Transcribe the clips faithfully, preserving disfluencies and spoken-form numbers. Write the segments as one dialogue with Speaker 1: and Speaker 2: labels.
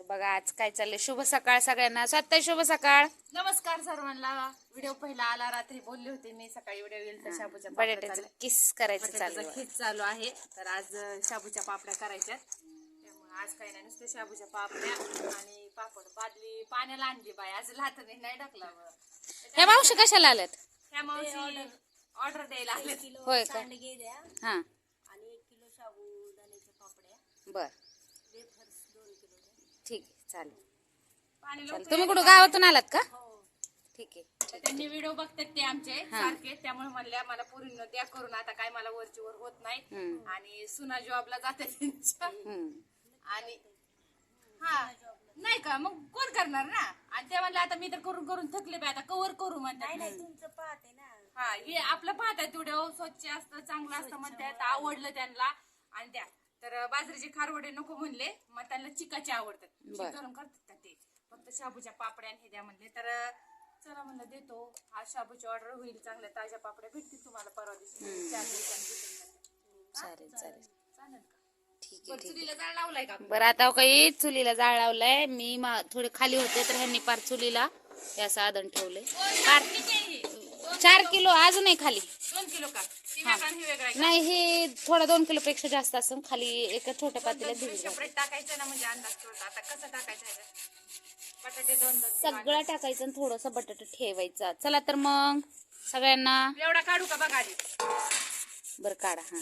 Speaker 1: बघा आज काय चाललंय. शुभ सकाळ सगळ्यांना. स्वतः शुभ सकाळ.
Speaker 2: नमस्कार सर्वांना. व्हिडिओ पहिला आला, रात्री बोलले होते मी सकाळी व्हिडिओ येईल तर शाबूच्या
Speaker 1: बटाट्याचं किस करायचं चालू आहे.
Speaker 2: खीच चालू आहे. तर आज शाबूच्या पापड्या करायच्या, त्यामुळे आज काही नाही, नुसते शाबूच्या पापड्या आणि पापड. बादली पाण्याला आणली बाय, आज लाटणे नाही टाकला.
Speaker 1: ह्या मावशी कशाला आल्यात?
Speaker 2: ह्या मावशी ऑर्डर द्यायला आले.
Speaker 1: होय का? हा
Speaker 3: आणि एक किलो साबुदाण्याच्या पापड्या,
Speaker 1: बर
Speaker 3: वेफर्स दोन किलो द्या.
Speaker 1: ठीक आहे चालेल.
Speaker 2: पाणी
Speaker 1: चालेल. तुम्ही कुठं गावातून आलात का?
Speaker 3: हो,
Speaker 1: ठीक आहे.
Speaker 2: तर त्यांनी व्हिडिओ बघतात ते आमचे सारखे, त्यामुळे म्हणल्या मला पूर्ण द्या करून. आता काय मला वरची वर होत नाही
Speaker 1: हम्म.
Speaker 2: आणि सुना जॉबला जाते त्यांच्या.
Speaker 1: हम्म.
Speaker 2: आणि हा नाही का, मग कोण करणार ना. आणि ते म्हणले आता मी तर करून करून थकले बाय, आता कवर करू म्हणतात.
Speaker 3: नाही तुमचं पाहते ना.
Speaker 2: हा हे आपलं पाहतात व्हिडिओ, स्वच्छ असतं चांगलं असतं म्हणतात, आवडलं त्यांना. आणि त्या तर बाजरीचे खारवडे नको म्हणले, मग त्यांना चिकाचे आवडतात. चिक घालून करतात का ते, फक्त शाबूच्या पापड्या आणि हे द्या म्हणले. तर चला म्हणलं देतो. आज शाबूची ऑर्डर होईल, चांगल्या ताज्या पापड्या भेटतील तुम्हाला परवा दिवशी. चार दिवसांनी
Speaker 1: चालेल चालेल
Speaker 2: चालेल का?
Speaker 1: ठीक आहे
Speaker 2: बरं,
Speaker 1: ठीक
Speaker 2: चुलीला जाळ लावलाय का?
Speaker 1: आहे. बरं आता काही चुलीला जाळ लावलाय मी. मा- थोडे खाली होते तर ह्यांनी पार चुलीला हे साधन ठेवले. पार
Speaker 2: किती आहे हे?
Speaker 1: चार किलो अजूनही खाली
Speaker 2: दोन किलो का? ती वेगळा आणि ही वेगळा आहे का?
Speaker 1: नाही. हे थोडा दोन किलो पेक्षा जास्त असं खाली एका छोट्या पातेल्यात भिजत घातलं.
Speaker 2: सेपरेट टाकायचं ना, म्हणजे अंदाज कळतो. आता कसं टाकायचं आहे? बटाटे दोन दोन
Speaker 1: सगळं टाकायचं आणि थोडंसं बटाटा ठेवायचा. चला तर मग सगळ्यांना
Speaker 2: एवढा काढू का बघा आधी.
Speaker 1: बरं काढा. हा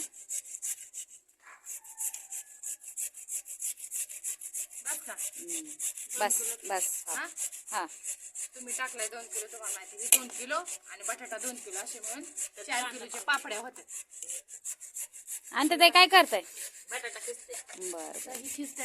Speaker 2: बस का?
Speaker 1: बस बस हा.
Speaker 2: हा?
Speaker 1: हा
Speaker 2: तुम्ही टाकलाय दोन किलो, तुम्हाला माहिती. ही दोन किलो आणि बटाटा दोन किलो, असे मिळून चार किलोच्या पापड्या होत्या.
Speaker 1: आणि ते काय करताय?
Speaker 2: बटाटा किसते.
Speaker 1: बर
Speaker 2: तर
Speaker 1: बर.
Speaker 2: ही खिसते.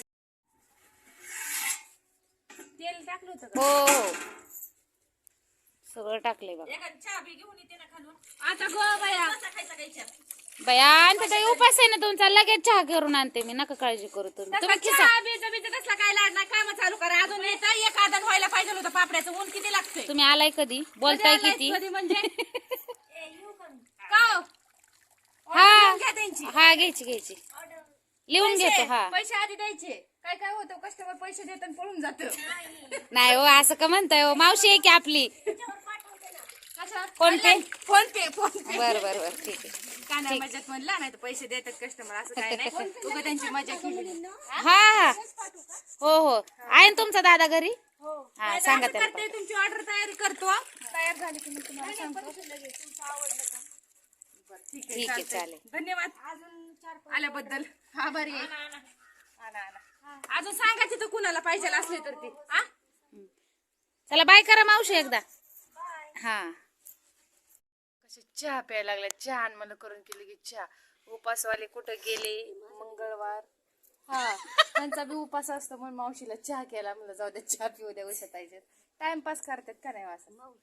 Speaker 2: तेल टाकलं होतं का?
Speaker 1: हो हो सगळं टाकलंय बघा.
Speaker 2: एखादी चहा बी घेऊन येते ना खालून. आता गो बाया खायचा खायच्या.
Speaker 1: बया आणि ते उपास आहे ना तुमचा, लगेच चहा करून आणते मी. नका काळजी करू तुम्ही. तुम्ही खिसा.
Speaker 2: चहा बीज बीज तसला काय लाड नाही. काम चालू करा. अजून येतं एक आदन व्हायला पाहिजे होतं. पापड्याचं ऊन किती लागतंय?
Speaker 1: तुम्ही आलाय कधी? बोलताय किती?
Speaker 2: कधी म्हणजे
Speaker 3: ए, येऊ का मी?
Speaker 2: का हो?
Speaker 1: हा
Speaker 2: ऑर्डर घ्या त्यांची.
Speaker 1: हा घ्यायची घ्यायची
Speaker 3: ऑर्डर
Speaker 1: लिहून
Speaker 2: पैसे
Speaker 1: घेतो. हा
Speaker 2: पैसे आधी द्यायचे. काय काय होतं, कस्टमर पैसे देत आणि पळून जात.
Speaker 1: नाही हो असं का म्हणताय हो. मावशी आहे की आपली.
Speaker 3: त्याच्यावर पाठवते ना.
Speaker 2: कशा?
Speaker 1: PhonePe?
Speaker 2: PhonePe PhonePe.
Speaker 1: बर बर बर ठीक आहे.
Speaker 2: काय नाही, मजाक म्हणला नाही तर पैसे देतात कस्टमर, असं काय नाही. उगा त्यांची मजा केली.
Speaker 1: हा हा हो हो आहे ना तुमचा दादा घरी?
Speaker 3: हो,
Speaker 1: हा सांगा त्याला.
Speaker 2: करते तुमची ऑर्डर तयारी करतो. तयार झाली की मी तुम्हाला सांगतो.
Speaker 3: तुमचं आवडलं का?
Speaker 2: बरं, ठीक
Speaker 1: ठीक
Speaker 2: आहे
Speaker 1: आहे
Speaker 2: चालतंय.
Speaker 1: चालेल.
Speaker 2: धन्यवाद
Speaker 3: अजून चार पाच
Speaker 2: आल्याबद्दल. आभारी आहे. आला, आला. अजून सांगा तिथं कुणाला पाहिजे असले तर ते. हा?
Speaker 1: चला बाय करा मावशी एकदा. हा
Speaker 2: कसे चहा प्यायला लागल्या. चहा आण मला करून केली की चहा. उपासवाले कुठं गेले? मंगळवार. हा त्यांचा बी उपास असतो म्हणून मावशीला चहा केला. म्हणलं जाऊ द्या, चहा पिऊ द्या. उशा पाहिजे टाइमपास करतात का नाही असं.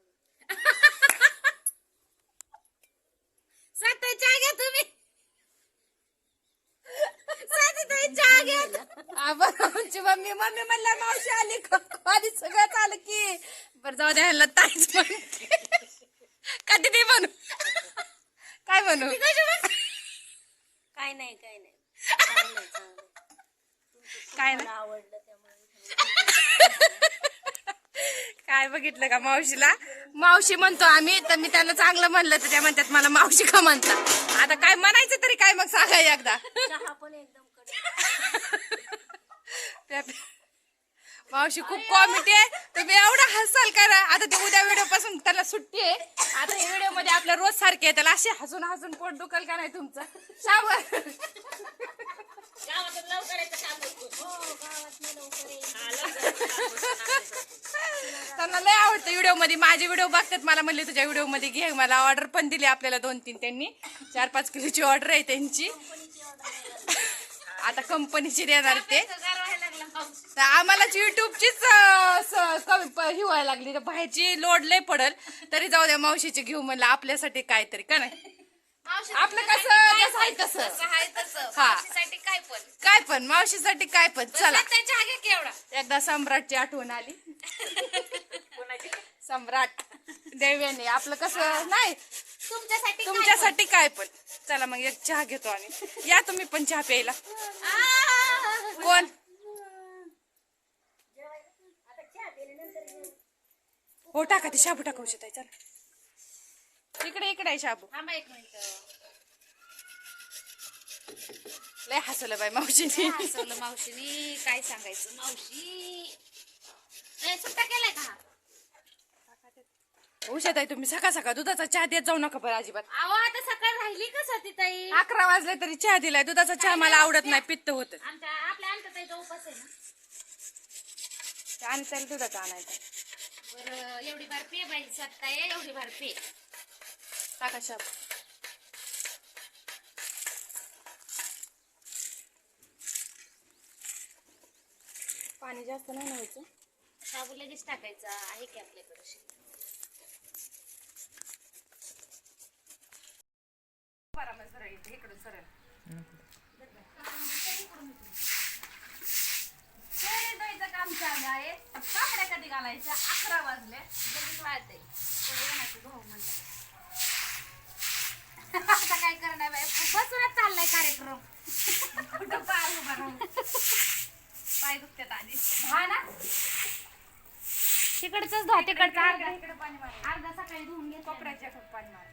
Speaker 2: साताई चहा घ्या तुम्ही. साताई चहा घ्या. आमची मम्मी मम्मी म्हणल्या मावशी आली का? आधी सगळं आलं की. बरं जाऊ द्या, ह्याला ताईच म्हणते. कधी ते म्हणू काय म्हणू?
Speaker 3: काय नाही काय नाही चांगलं आहे, चांगलं आहे.
Speaker 2: काय
Speaker 3: मला
Speaker 2: नाही
Speaker 3: आवडलं त्यामुळे
Speaker 2: काय बघितलं का मावशीला? मावशी म्हणतो आम्ही, तर मी त्यांना चांगलं म्हणलं तर त्या म्हणतात मला मावशी का म्हणतात. आता काय म्हणायचं तरी काय मग सांगा एकदा.
Speaker 3: चहा पण एकदम कडक.
Speaker 2: त्या- मावशी खूप कॉमेडी आहे. तुम्ही एवढा हसाल करा. आता ते उद्या व्हिडिओ पासून त्याला सुट्टी आहे. आता हे व्हिडिओ मध्ये आपल्या रोज सारखे आहे. त्याला असे हसून हसून पोट दुखल का नाही तुमचं? शावर
Speaker 3: हो, गावात लवकर येईल.
Speaker 2: त्यांना लय आवडतं व्हिडिओ मध्ये. माझे व्हिडिओ बघतात. मला म्हणले तुझ्या व्हिडिओ मध्ये घे. मला ऑर्डर पण दिली आपल्याला दोन तीन. त्यांनी चार पाच किलोची ऑर्डर आहे त्यांची. आता कंपनीची देणार ते. तर आम्हालाच युट्यूबचीच ही व्हायला लागली. तर बाहेरची लोड लय पडल. तरी जाऊ द्या, मावशीची घेऊ म्हणलं आपल्यासाठी काहीतरी का नाही. आपलं कसं जसं आहे तसं. हा
Speaker 1: काय पण
Speaker 2: काय पण मावशीसाठी काय पण. चला
Speaker 1: चहा घ्या की एवढा.
Speaker 2: एकदा सम्राटची आठवण आली. सम्राट देव्याने आपलं कसं नाही.
Speaker 1: तुमच्यासाठी
Speaker 2: तुमच्यासाठी काय पण. चला मग एक चहा घेतो आणि. या तुम्ही पण चहा प्यायला. कोण हो टाका ते शाबू टाका उशत आहे चला इकडे इकडे आहे शाबू
Speaker 1: थांबा एक मिनिट.
Speaker 2: लय हसवलं बाई मावशीने
Speaker 1: हसवलं मावशीनी. काय सांगायचं मावशी. ए, सुट्टा केलाय का हा?
Speaker 2: उशत आहे तुम्ही सकाळ सकाळ दुधाचा चहा देत जाऊ नका बरं अजिबात.
Speaker 1: अहो आता सकाळ राहिली का सतीताई?
Speaker 2: अकरा वाजले तरी चहा दिलाय. दुधाचा चहा मला आवडत नाही, पित्त होत.
Speaker 1: आमच्या आपल्या अंतताईचा उपास आहे ना.
Speaker 2: आणि त्याला दुधाचा आणायचा.
Speaker 1: बरं एवढी बार पे बाई सत्ताय एवढी बार पे.
Speaker 2: टाका शाबू. पाणी जास्त नाही ना व्हायचं.
Speaker 1: शाबू लगेच टाकायचा आहे की आपल्याकडे.
Speaker 2: इकडून सरळ काम चालू आहे. पापड्या कधी घालायच्या अकरा वाजले लगेच वाळते.
Speaker 1: आता काय करणार बाई बसूनच चाललाय कार्यक्रम.
Speaker 2: कुठं पाय उभा राहून पाय दुखतात आधी.
Speaker 1: हा ना तिकडचंच धुवा तिकडचं अर्धा
Speaker 2: इकडे पाणी मार.
Speaker 1: अर्धा सकाळी धुवून घे.
Speaker 2: कोपऱ्याच्या पाणी मार.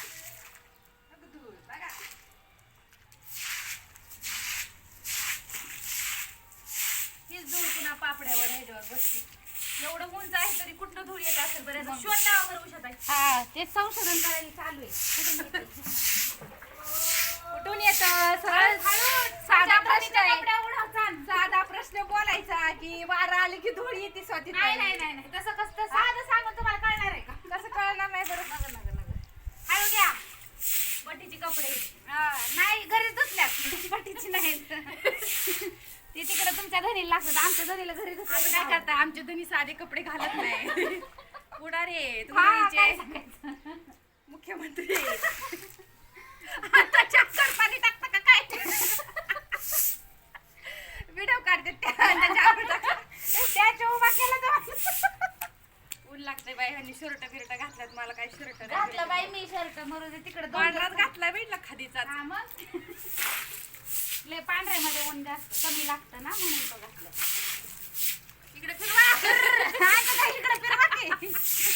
Speaker 2: हीच धूळ पुन्हा पापड्यावर ह्याच्यावर बसते. एवढं उंच आहे तरी कुठलं धूळ येत असेल बरं. शोध लावा बरं उशात आहे.
Speaker 1: हा ते संशोधन करायला चालू आहे.
Speaker 2: कुठून येत सरळ साधा प्रश्न साधा प्रश्न बोलायचा की वारा आली की धूळ येते स्वतः.
Speaker 1: नाही नाही नाही नाही तसं कसं साधं सांगून तुम्हाला कळणार आहे का?
Speaker 2: कसं कळणार नाही बरं.
Speaker 1: नगर नगर नगर हळू घ्या.
Speaker 2: बटीचे कपडे
Speaker 1: हा, नाही घरीच धुतल्यात बटीची नाही. ते तिकडे तुमच्या घरी लागतात आमच्या घरीला घरी
Speaker 2: आता काय
Speaker 1: धुतलं.
Speaker 2: करता आमचे धनी साधे कपडे घालत नाही. पुढारे
Speaker 1: हा, काय
Speaker 2: तुम्ही
Speaker 1: सांगायचं?
Speaker 2: मुख्यमंत्री आता चक्कर पाणी टाकता का काय व्हिडिओ काढते
Speaker 1: त्याच्या उभा केला तर
Speaker 2: ऊन लागते बाई ह्यांनी शर्ट बिरट घातल्यात. मला काही शर्ट
Speaker 1: घातलं बाई मी शर्ट मरू दे तिकडे
Speaker 2: पांढराच घातलाय भेटला खादीचा.
Speaker 1: हा मग लय पांढऱ्यामध्ये ऊन जास्त कमी लागतं ना म्हणून तो घातलं.
Speaker 2: इकडे फिरवा.
Speaker 1: आता काय इकडे फिरवा की?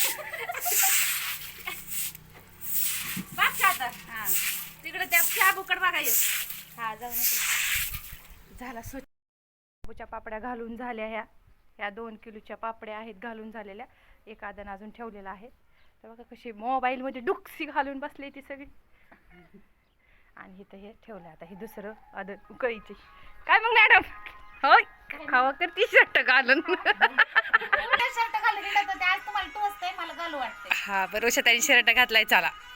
Speaker 2: बघ आता
Speaker 1: हा
Speaker 2: तिकडे त्या शाबूकड बघायचं.
Speaker 1: हा जाऊ नका.
Speaker 2: झाला स्वच्छ. शाबूच्या पापड्या घालून झाल्या. ह्या ह्या दोन किलोच्या पापड्या आहेत घालून झालेल्या. एक आदन अजून ठेवलेला आहे. तर बघा कशी मोबाईलमध्ये डुक्सी घालून बसली ती सगळी. आणि इथं हे ठेवलं. आता हे दुसरं आदन उकळीची. काय मग मॅडम होय खावा कर टी शर्ट घालून.
Speaker 1: शर्ट घालून गेलं तर ते आज तुम्हाला टोचतंय मला घालू वाटतंय.
Speaker 2: हा बरोबर शर्ट घातलाय. चला